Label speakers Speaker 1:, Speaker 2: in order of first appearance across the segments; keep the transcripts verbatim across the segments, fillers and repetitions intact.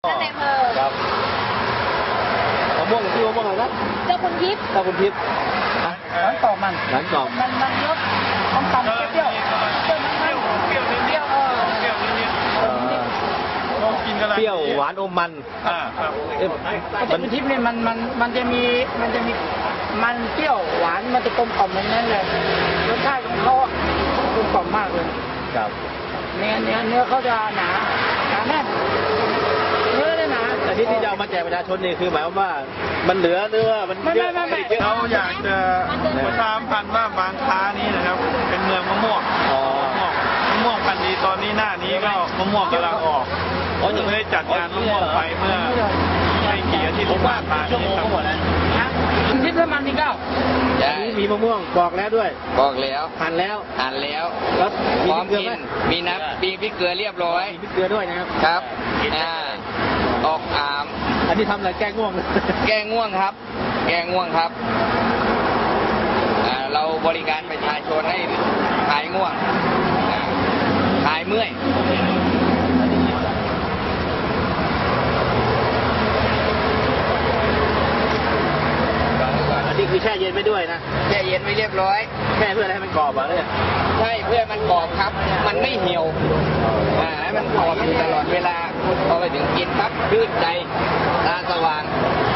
Speaker 1: ท่านในอำเภอ
Speaker 2: ครับมะม่วงที่มะม่วงอะไรนะ
Speaker 1: เจ้าคุณทิพย์
Speaker 2: เจ้าคุณทิพย์
Speaker 3: หลังกรอบมัน
Speaker 2: หลังกรอบ
Speaker 3: มันมันรสมันต่ำเปรี้ยวเปรี้ยวมันเปรี้ยวเปรี้ยวเปรี้ยวเออเปรี้ยวนิดๆลองกินกันเลย
Speaker 2: เปรี้ยวหวานอมมัน
Speaker 3: อ่าครับเจ้าคุณทิพย์เนี่ยมันมันมันจะมีมันจะมีมันเปรี้ยวหวานมันจะกลมกล่อมอย่างนั้นเลยรสชาติของเขากลมกล่อมมากเลย
Speaker 2: ครับ
Speaker 3: เนื้อเนื้อเนื้อเขาจะหนาหนาแน่นเนื้อเลยหนา
Speaker 2: แต่ที่ที่จะเอามาแจกประชาชนนี่คือหมายความว่ามันเหลือเนื้อมันเยอะ
Speaker 4: เราอยากจะประชาสัมพันธ์ว่าบางค้านี้นะครับเป็นเมืองมะม่วงมะม่วงพันธุ์ดีตอนนี้หน้านี้ก็มะม่วงกำลังออกเขาจะได้จัดงานมะม่วงไปเมื่อไม่กี่อาทิตย์ที่ผ่านมานี้ครับ
Speaker 3: ทิพย์มันนี่เก้า
Speaker 2: มีมะม่วงบอกแล้วด้วย
Speaker 5: บอกแล้ว
Speaker 2: หั่นแล้ว
Speaker 5: หั่นแล้ว
Speaker 2: แล้ว
Speaker 5: พร้อมกินมีน้ำปีพริกเกลือเรียบร้อย
Speaker 2: มีพริกเกลือด้วยนะครับ
Speaker 5: ครับอ่าออกอาม
Speaker 2: อันนี้ทำอะไรแก้ง่วง
Speaker 5: แก้ง่วงครับ แก้ง่วงครับอ่าเราบริการประชาชนให้หายง่วงหายเมื่อย
Speaker 2: อันนี้คือแช่เย็นไม่ด้วยนะ
Speaker 5: แช่เย็นไม่เรียบร้อย
Speaker 2: แช่เพื่ออะไรให้มันกรอบอ่ะเนี่ย
Speaker 5: ใช่เพื่อมันกรอบครับมันไม่เหี่ยวอ่าให้มันกรอบอยู่ตลอดเวลาพอไปถึงกินปั๊บชื่นใจตาสว่าง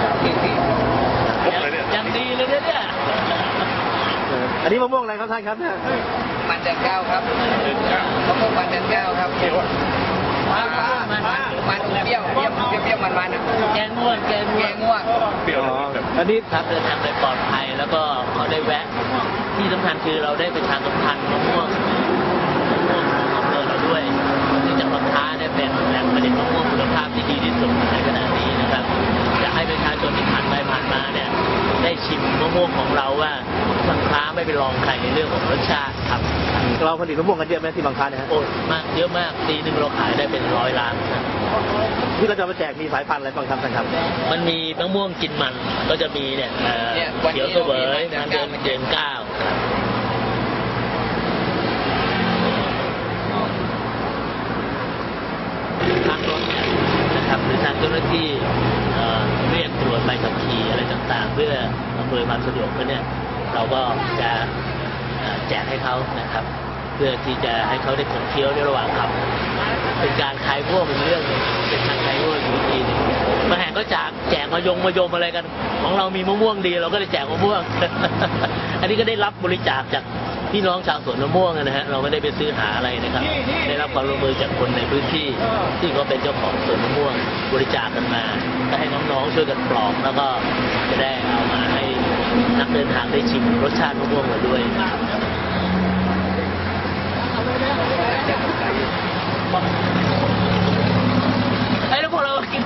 Speaker 3: ยังดีเลยเนี่ย
Speaker 2: อันนี้มะม่วงอะไรครับท่านครับเนี่ย
Speaker 5: มันเดือนเก้าครับมะม่วงมันเดือนเก้าครับมันมันเปรี้ยวเปรี้ยวเปรี้ยวมันมัน
Speaker 3: แกงง่วงแกง
Speaker 5: แกงง่วง
Speaker 2: เปรี้ยวอันนี้
Speaker 6: ครับเดินทางโดยปลอดภัยแล้วก็เขาได้แวะที่สำคัญคือเราได้ประชาสัมพันธ์มะม่วงมะม่วงของอำเภอเราด้วยที่จังหวัดท้าเนี่ยเป็นแหล่งผลิตมะม่วงคุณภาพที่ดีที่สุดในขณะนี้นะครับอยากให้ประชาชนที่ผ่านไปผ่านมาเนี่ยได้ชิมมะม่วงของเราว่าบางคล้าไม่ไปลองใครในเรื่องของรสชาติครับ
Speaker 2: เราผลิตมะม่วงกันเยอะไหมที่บางคล้าเนี่ย
Speaker 6: โอ้มากเยอะมากปีหนึ่งเราขายได้เป็นร้อยล้านนะ
Speaker 2: ที่เราจะมาแจกมีสายพันธุ์อะไรบ้างครับท่านครับ
Speaker 6: มันมีมะม่วงกินมันก็จะมีเนี่ยเขียวเสวยมันเดือนเดือนเก้าทางรถเนี่ยนะครับหรือทางเจ้าหน้าที่เรียกตรวจใบขับขี่อะไรต่างๆเพื่ออำนวยความสะดวกเนี่ยเราก็จะแจกให้เขานะครับเพื่อที่จะให้เขาได้ขบเคี้ยวในระหว่างขับเป็นการคลายพวกเป็นเรื่องเป็นการคลายพวกอีกทีนึงมาแห่งก็จากแจกมายงมายมอะไรกันของเรามีมะม่วงดีเราก็ได้แจกมะม่วง อันนี้ก็ได้รับบริจาคจากพี่น้องชาวสวนมะม่วงนะฮะเราไม่ได้ไปซื้อหาอะไรนะครับได้รับความร่วมมือจากคนในพื้นที่ที่เขาเป็นเจ้าของสวนมะม่วงบริจาคกันมาก็ให้น้องๆช่วยกันปลอกแล้วก็จะได้เอามาให้นักเดินทางได้ชิมรสชาติมะม่วงมาด้วยไอ้แล้วพวกเรากิน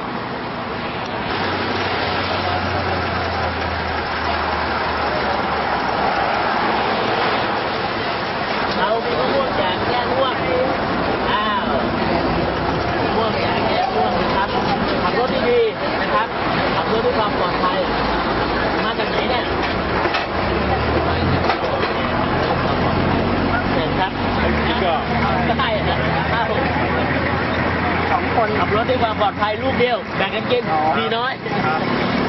Speaker 6: เรามีมะม่วงแจกแก้ง่วงอ้าวมะม่วงแจกแก้ง่วงนะครับขับรถดีๆนะครับขับรถด้วยความปลอดภัยมาจากไหนเนี่ยเห็นครับก็ได้นะสองคนขับรถด้วยความปลอดภัยลูกเดียวแบ่งกันกินดีน้อย